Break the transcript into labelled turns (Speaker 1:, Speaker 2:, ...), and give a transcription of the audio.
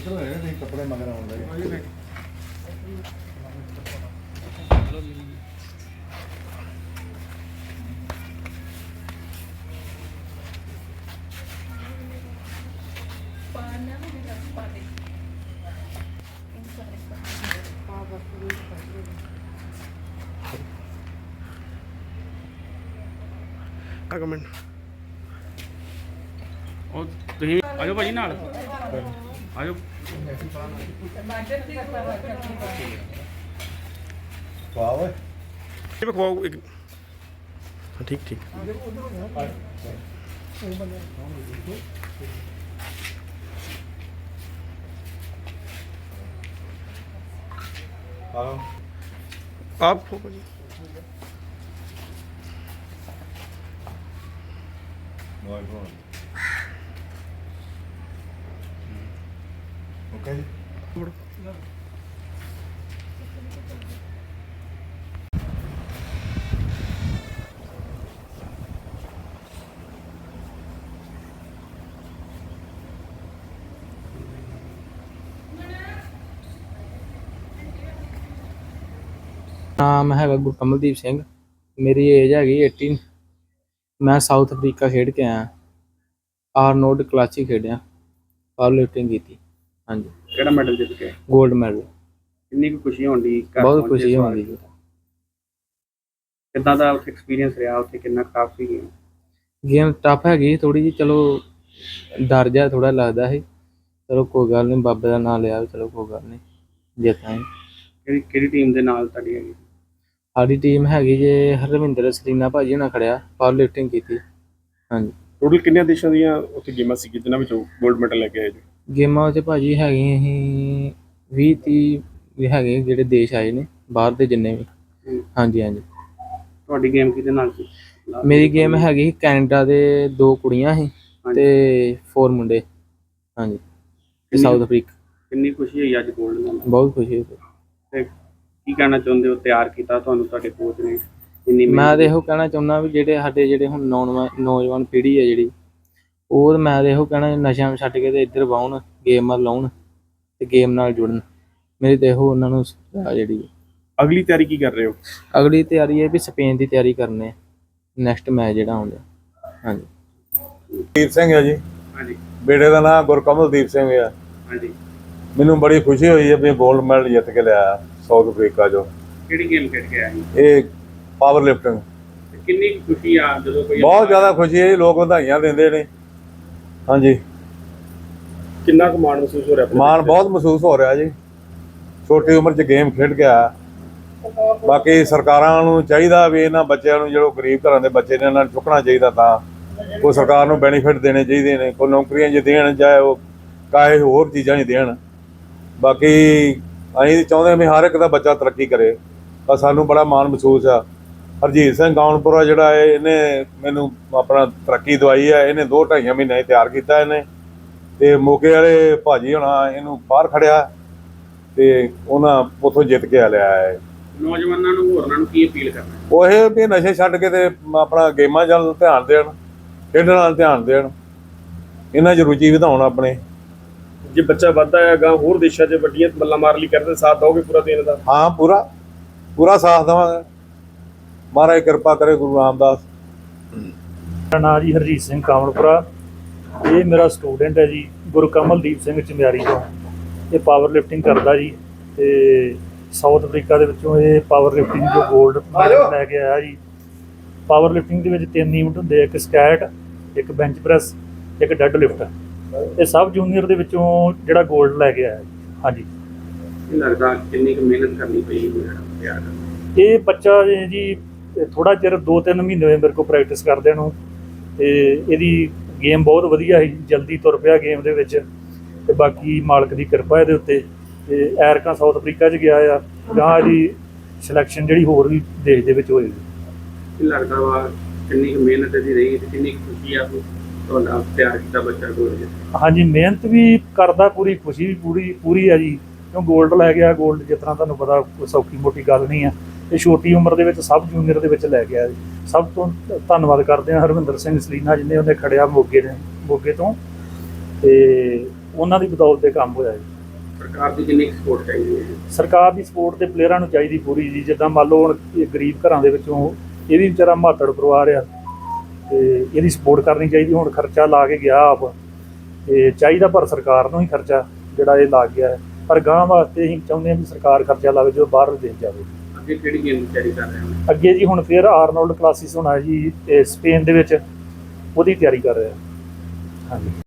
Speaker 1: ਨਿਕਲ ਰਹੇ ਨੇ ਕੱਪੜੇ ਮਗਰ ਆਉਂਦੇ
Speaker 2: ਕਮੈਂਟ ਉਹ ਤੁਸੀਂ ਆਜੋ ਭਾਜੀ ਨਾਲ ਆਜੋ
Speaker 1: ਵਾਹ ਓਏ
Speaker 2: ਇਹ ਬਖਵਾਓ ਇੱਕ ਠੀਕ ਠੀਕ आप हो भाजी
Speaker 1: ओके
Speaker 3: ਨਾਮ ਹੈਗਾ ਗੁਰਕਮਲਦੀਪ ਸਿੰਘ। ਮੇਰੀ ਏਜ ਹੈਗੀ 18। ਮੈਂ ਸਾਊਥ ਅਫਰੀਕਾ ਖੇਡ ਕੇ ਆਇਆ। ਆਰਨੋਲਡ ਕਲਾਸਿਕ ਖੇਡਿਆ, ਪਾਵਰ ਲਿਫਟਿੰਗ ਕੀਤੀ। ਹਾਂਜੀ,
Speaker 2: ਕਿਹੜਾ ਮੈਡਲ ਜਿੱਤ ਕੇ
Speaker 3: ਗੋਲਡ ਮੈਡਲ।
Speaker 2: ਕਿੰਨੀ ਕੁ ਖੁਸ਼ੀ ਹੁੰਦੀ
Speaker 3: ਬਹੁਤ ਖੁਸ਼ੀ ਹੁੰਦੀ ਜੀ।
Speaker 2: ਕਿੱਦਾਂ ਦਾ ਉੱਥੇ ਐਕਸਪੀਰੀਅੰਸ ਰਿਹਾ? ਉੱਥੇ ਕਿੰਨਾ ਟਫ ਸੀ
Speaker 3: ਗੇਮ ਟਫ ਹੈਗੀ ਥੋੜੀ ਜੀ, ਚਲੋ ਡਰ ਜਾ ਥੋੜਾ ਲੱਗਦਾ ਸੀ। ਚਲੋ ਕੋਈ ਗੱਲ ਨਹੀਂ, ਬਾਬੇ ਦਾ ਨਾਮ ਲਿਆ, ਚਲੋ ਕੋਈ ਗੱਲ ਨਹੀਂ, ਜਿੱਤਾਂਗੇ।
Speaker 2: ਕਿਹੜੀ ਟੀਮ ਦੇ ਨਾਲ ਤੁਹਾਡੀ ਹੈਗੀ?
Speaker 3: ਸਾਡੀ ਟੀਮ ਹੈਗੀ ਜੇ ਹਰਵਿੰਦਰ ਸਰੀਨਾ ਭਾਜੀ ਨਾਲ ਖੜਿਆ, ਪਾਵਰ ਲਿਫਟਿੰਗ ਕੀਤੀ। ਹਾਂਜੀ,
Speaker 2: ਟੋਟਲ ਕਿੰਨੇ ਦੇਸ਼ਾਂ ਦੀਆਂ ਉੱਥੇ ਗੇਮਾਂ ਸੀ ਜਿਨ੍ਹਾਂ ਵਿੱਚੋਂ ਗੋਲਡ ਮੈਡਲ ਲੈ ਕੇ ਆਏ ਜੀ?
Speaker 3: ਗੇਮਾਂ ਵਿੱਚ ਭਾਜੀ ਹੈਗੀਆਂ ਅਸੀਂ 20-30 ਵੀ ਹੈਗੇ ਜਿਹੜੇ ਦੇਸ਼ ਆਏ ਨੇ ਬਾਹਰ ਦੇ ਜਿੰਨੇ ਵੀ। ਹਾਂਜੀ ਹਾਂਜੀ।
Speaker 2: ਤੁਹਾਡੀ ਗੇਮ ਕਿਹਦੇ ਨਾਲ ਸੀ?
Speaker 3: ਮੇਰੀ ਗੇਮ ਹੈਗੀ ਸੀ ਕੈਨੇਡਾ ਦੇ 2 ਕੁੜੀਆਂ ਸੀ ਤੇ 4 ਮੁੰਡੇ। ਹਾਂਜੀ, ਤੇ ਸਾਊਥ ਅਫਰੀਕਾ।
Speaker 2: ਕਿੰਨੀ ਖੁਸ਼ੀ ਹੋਈ ਅੱਜ ਗੋਲਡ ਨਾਲ?
Speaker 3: ਬਹੁਤ ਖੁਸ਼ੀ ਹੋਈ।
Speaker 2: ਤੇ ਕੀ ਕਹਿਣਾ ਚਾਹੁੰਦੇ ਹੋ? ਤਿਆਰ ਕੀਤਾ ਤੁਹਾਨੂੰ ਤੁਹਾਡੇ ਕੋਚ ਨੇ ਇੰਨੀ
Speaker 3: ਮੈਂ ਤਾਂ ਇਹੋ ਕਹਿਣਾ ਚਾਹੁੰਦਾ ਵੀ ਜਿਹੜੇ ਸਾਡੇ ਜਿਹੜੇ ਹੁਣ ਨੌਜਵਾਨ ਪੀੜ੍ਹੀ ਹੈ ਜਿਹੜੀ, ਉਹ ਮੈਂ ਤਾਂ ਇਹੋ ਕਹਿਣਾ ਨਸ਼ਿਆਂ ਛੱਡ ਕੇ ਤੇ ਇੱਧਰ ਵਾਹੁਣ, ਗੇਮ ਵੱਲ ਲਾਉਣ ਤੇ ਗੇਮ ਨਾਲ ਜੁੜਨ। ਮੇਰੀ ਤਾਂ ਇਹੋ ਉਹਨਾਂ ਨੂੰ ਜਿਹੜੀ
Speaker 2: ਅਗਲੀ ਤਿਆਰੀ ਕੀ ਕਰ ਰਹੇ ਹੋ?
Speaker 3: ਅਗਲੀ ਤਿਆਰੀ ਹੈ ਵੀ ਸਪੇਨ ਦੀ ਤਿਆਰੀ ਕਰਨੇ, ਨੈਕਸਟ ਮੈਚ ਜਿਹੜਾ ਆਉਂਦਾ। ਹਾਂਜੀ।
Speaker 1: ਦੀਪ ਸਿੰਘ ਹੈ ਜੀ।
Speaker 2: ਹਾਂਜੀ।
Speaker 1: ਬੇਟੇ ਦਾ ਨਾਮ ਗੁਰਕਮਲਦੀਪ ਸਿੰਘ ਹੈ।
Speaker 2: ਹਾਂਜੀ।
Speaker 1: ਮੈਨੂੰ ਬੜੀ ਖੁਸ਼ੀ ਹੋਈ ਹੈ ਵੀ ਗੋਲਡ ਮੈਡਲ ਜਿੱਤ ਕੇ ਲਿਆਇਆ ਸਾਊਥ ਅਫਰੀਕਾ ਚੋਂ।
Speaker 2: ਕਿਹੜੀ ਗੇਮ ਖੇਡ ਕੇ ਆਏ?
Speaker 1: ਇਹ ਪਾਵਰ ਲਿਫਟਿੰਗ।
Speaker 2: ਕਿੰਨੀ ਖੁਸ਼ੀ ਆ ਜਦੋਂ ਕੋਈ?
Speaker 1: ਬਹੁਤ ਜ਼ਿਆਦਾ ਖੁਸ਼ੀ ਹੈ ਜੀ, ਲੋਕ ਵਧਾਈਆਂ ਦਿੰਦੇ ਨੇ। ਹਾਂਜੀ।
Speaker 2: ਕਿੰਨਾ ਕੁ ਮਾਣ ਮਹਿਸੂਸ ਹੋ ਰਿਹਾ?
Speaker 1: ਮਾਣ ਬਹੁਤ ਮਹਿਸੂਸ ਹੋ ਰਿਹਾ ਜੀ, ਛੋਟੀ ਉਮਰ 'ਚ ਗੇਮ ਖੇਡ ਕੇ ਆਇਆ। ਬਾਕੀ ਸਰਕਾਰਾਂ ਨੂੰ ਚਾਹੀਦਾ ਵੀ ਇਹਨਾਂ ਬੱਚਿਆਂ ਨੂੰ, ਜਿਹੜੇ ਗਰੀਬ ਘਰਾਂ ਦੇ ਬੱਚੇ ਨੇ, ਇਹਨਾਂ ਨੂੰ ਚੁੱਕਣਾ ਚਾਹੀਦਾ। ਤਾਂ ਕੋਈ ਸਰਕਾਰ ਨੂੰ ਬੈਨੀਫਿਟ ਦੇਣੇ ਚਾਹੀਦੇ ਨੇ, ਕੋਈ ਨੌਕਰੀਆਂ 'ਚ ਦੇਣ, ਚਾਹੇ ਉਹ ਕਾਹੇ ਹੋਰ ਚੀਜ਼ਾਂ 'ਚ ਦੇਣ। ਬਾਕੀ ਅਸੀਂ ਚਾਹੁੰਦੇ ਵੀ ਹਰ ਇੱਕ ਦਾ ਬੱਚਾ ਤਰੱਕੀ ਕਰੇ, ਤਾਂ ਸਾਨੂੰ ਬੜਾ ਮਾਣ ਮਹਿਸੂਸ ਆ। ਹਰਜੀਤ ਸਿੰਘ ਗਾਉਣਪੁਰਾ ਜਿਹੜਾ ਹੈ, ਇਹਨੇ ਮੈਨੂੰ ਆਪਣਾ ਤਰੱਕੀ ਦਵਾਈ ਹੈ। ਇਹਨੇ 2-2.5 ਮਹੀਨੇ ਤਿਆਰ ਕੀਤਾ ਇਹਨੇ, ਤੇ ਮੋਗੇ ਵਾਲੇ ਭਾਜੀ ਹੋਣਾ ਇਹਨੂੰ ਬਾਹਰ ਖੜਿਆ ਤੇ ਉਹਨਾਂ ਉੱਥੋਂ ਜਿੱਤ ਕੇ ਲਿਆ ਹੈ।
Speaker 2: ਨੌਜਵਾਨਾਂ ਨੂੰ, ਹੋਰਨਾਂ ਨੂੰ ਕੀ ਅਪੀਲ ਕਰਨਾ?
Speaker 1: ਉਹ ਇਹ ਵੀ ਨਸ਼ੇ ਛੱਡ ਕੇ ਤੇ ਆਪਣਾ ਗੇਮਾਂ ਵੱਲ ਧਿਆਨ ਦੇਣ, ਖੇਡਣ ਵੱਲ ਧਿਆਨ ਦੇਣ, ਇਹਨਾਂ 'ਚ ਰੁਚੀ ਵਧਾਉਣ ਆਪਣੇ।
Speaker 2: ਜੇ ਬੱਚਾ ਵੱਧਦਾ ਹੈਗਾ ਹੋਰ ਦੇਸ਼ਾਂ 'ਚ ਵੱਡੀਆਂ ਬੱਲਾਂ ਮਾਰ ਲਈ ਕਰਦੇ, ਸਾਥ ਦੋਗੇ ਪੂਰਾ ਦੇਣ ਦਾ?
Speaker 1: ਹਾਂ, ਪੂਰਾ ਸਾਥ ਦੇਵਾਂਗੇ। ਮਹਾਰਾਜ ਕਿਰਪਾ ਕਰੇ, ਗੁਰੂ ਰਾਮਦਾਸ।
Speaker 4: ਮੇਰਾ ਨਾਂ ਜੀ ਹਰਜੀਤ ਸਿੰਘ ਕਾਮਲਪੁਰਾ। ਇਹ ਮੇਰਾ ਸਟੂਡੈਂਟ ਹੈ ਜੀ, ਗੁਰਕਮਲਦੀਪ ਸਿੰਘ ਚਮਿਆਰੀ ਤੋਂ। ਇਹ ਪਾਵਰ ਲਿਫਟਿੰਗ ਕਰਦਾ ਜੀ, ਤੇ ਸਾਊਥ ਅਫਰੀਕਾ ਦੇ ਵਿੱਚੋਂ ਇਹ ਪਾਵਰ ਲਿਫਟਿੰਗ ਜੋ ਗੋਲਡ ਮੈਡਲ ਲੈ ਕੇ ਆਇਆ ਜੀ। ਪਾਵਰ ਲਿਫਟਿੰਗ ਦੇ ਵਿੱਚ 3 ਇਵੈਂਟ ਹੁੰਦੇ, ਇੱਕ ਸਕੈਟ, ਇੱਕ ਬੈਂਚ ਪ੍ਰੈਸ, ਇੱਕ ਡੈੱਡ ਲਿਫਟ। ਇਹ ਸਬ ਜੂਨੀਅਰ ਦੇ ਵਿੱਚੋਂ ਜਿਹੜਾ ਗੋਲਡ ਲੈ ਕੇ ਆਇਆ। ਹਾਂਜੀ।
Speaker 2: ਇਹ ਲੱਗਦਾ ਕਿੰਨੀ ਕੁ ਮਿਹਨਤ ਕਰਨੀ ਪਈ ਤਿਆਰ ਕਰਨ?
Speaker 4: ਇਹ ਬੱਚਾ ਜੀ ਥੋੜ੍ਹਾ ਚਿਰ 2-3 ਮਹੀਨੇ ਹੋਏ ਮੇਰੇ ਕੋਲ ਪ੍ਰੈਕਟਿਸ ਕਰਦਿਆਂ ਨੂੰ, ਤੇ ਇਹਦੀ ਗੇਮ ਬਹੁਤ ਵਧੀਆ ਸੀ, ਜਲਦੀ ਤੁਰ ਪਿਆ ਗੇਮ ਦੇ ਵਿੱਚ। ਤੇ ਬਾਕੀ ਮਾਲਕ ਦੀ ਕਿਰਪਾ ਇਹਦੇ ਉੱਤੇ। ਤੇ ਐਰਕਾ ਸਾਊਥ ਅਫਰੀਕਾ 'ਚ ਗਿਆ ਆ, ਗਾਂ ਇਹਦੀ ਸਿਲੈਕਸ਼ਨ ਜਿਹੜੀ ਹੋਰ ਵੀ ਦੇਸ਼ ਦੇ ਵਿੱਚ ਹੋਏਗੀ।
Speaker 2: ਕੀ ਲੱਗਦਾ ਵਾ ਕਿੰਨੀ ਕੁ ਮਿਹਨਤ ਇਹਦੀ ਰਹੀ ਤੇ ਕਿੰਨੀ ਖੁਸ਼ੀ ਆ ਤੁਹਾਡਾ ਤਿਆਰ ਕੀਤਾ ਬੱਚਾ ਗੋਲਡ?
Speaker 4: ਹਾਂਜੀ, ਮਿਹਨਤ ਵੀ ਕਰਦਾ, ਪੂਰੀ ਖੁਸ਼ੀ ਵੀ ਪੂਰੀ ਆ ਜੀ, ਕਿਉਂ ਗੋਲਡ ਲੈ ਗਿਆ। ਗੋਲਡ ਜਿਸ ਤਰ੍ਹਾਂ ਤੁਹਾਨੂੰ ਪਤਾ ਕੋਈ ਸੌਖੀ ਮੋਟੀ ਗੱਲ ਨਹੀਂ ਆ। ਇਹ ਛੋਟੀ ਉਮਰ ਦੇ ਵਿੱਚ ਸਬ ਜੂਨੀਅਰ ਦੇ ਵਿੱਚ ਲੈ ਗਿਆ ਜੀ। ਸਭ ਤੋਂ ਧੰਨਵਾਦ ਕਰਦੇ ਹਾਂ ਹਰਵਿੰਦਰ ਸਿੰਘ ਸਲੀਨਾ, ਜਿਹਨੇ ਉਹਨੇ ਖੜਿਆ ਮੋਗੇ ਤੋਂ। ਤੇ ਉਹਨਾਂ ਦੀ ਬਦੌਲਤ ਇਹ ਕੰਮ ਹੋਇਆ ਜੀ।
Speaker 2: ਸਰਕਾਰ ਦੀ ਕਿੰਨੀ ਸਪੋਰਟ ਚਾਹੀਦੀ ਹੈ?
Speaker 4: ਸਰਕਾਰ ਦੀ ਸਪੋਰਟ ਤੇ ਪਲੇਅਰਾਂ ਨੂੰ ਚਾਹੀਦੀ ਪੂਰੀ ਜੀ। ਜਿੱਦਾਂ ਮੰਨ ਲਓ ਹੁਣ ਇਹ ਗਰੀਬ ਘਰਾਂ ਦੇ ਵਿੱਚੋਂ ਇਹ ਵੀ ਵਿਚਾਰਾ ਮਾਤੜ ਪਰਿਵਾਰ ਆ, ਤੇ ਇਹਦੀ ਸਪੋਰਟ ਕਰਨੀ ਚਾਹੀਦੀ। ਹੁਣ ਖਰਚਾ ਲਾ ਕੇ ਗਿਆ ਆਪ, ਤੇ ਚਾਹੀਦਾ ਪਰ ਸਰਕਾਰ ਨੂੰ ਹੀ ਖਰਚਾ ਜਿਹੜਾ ਇਹ ਲੱਗ ਗਿਆ ਹੈ। ਪਰ ਗਾਂ ਵਾਸਤੇ ਅਸੀਂ ਚਾਹੁੰਦੇ ਹਾਂ ਵੀ ਸਰਕਾਰ ਖਰਚਾ ਲਾਵੇ ਜੋ ਬਾਹਰ ਦੇਸ਼ ਜਾਵੇ।
Speaker 2: ਅੱਗੇ ਕਿਹੜੀ ਗੇਮ ਦੀ ਤਿਆਰੀ ਕਰ ਰਹੇ ਹੋ?
Speaker 4: ਅੱਗੇ ਜੀ ਹੁਣ ਫਿਰ ਆਰਨੋਲਡ ਕਲਾਸਿਸ ਹੋਣਾ ਜੀ, ਇਹ ਸਪੇਨ ਦੇ ਵਿੱਚ, ਉਹਦੀ ਤਿਆਰੀ ਕਰ ਰਿਹਾ। ਹਾਂਜੀ।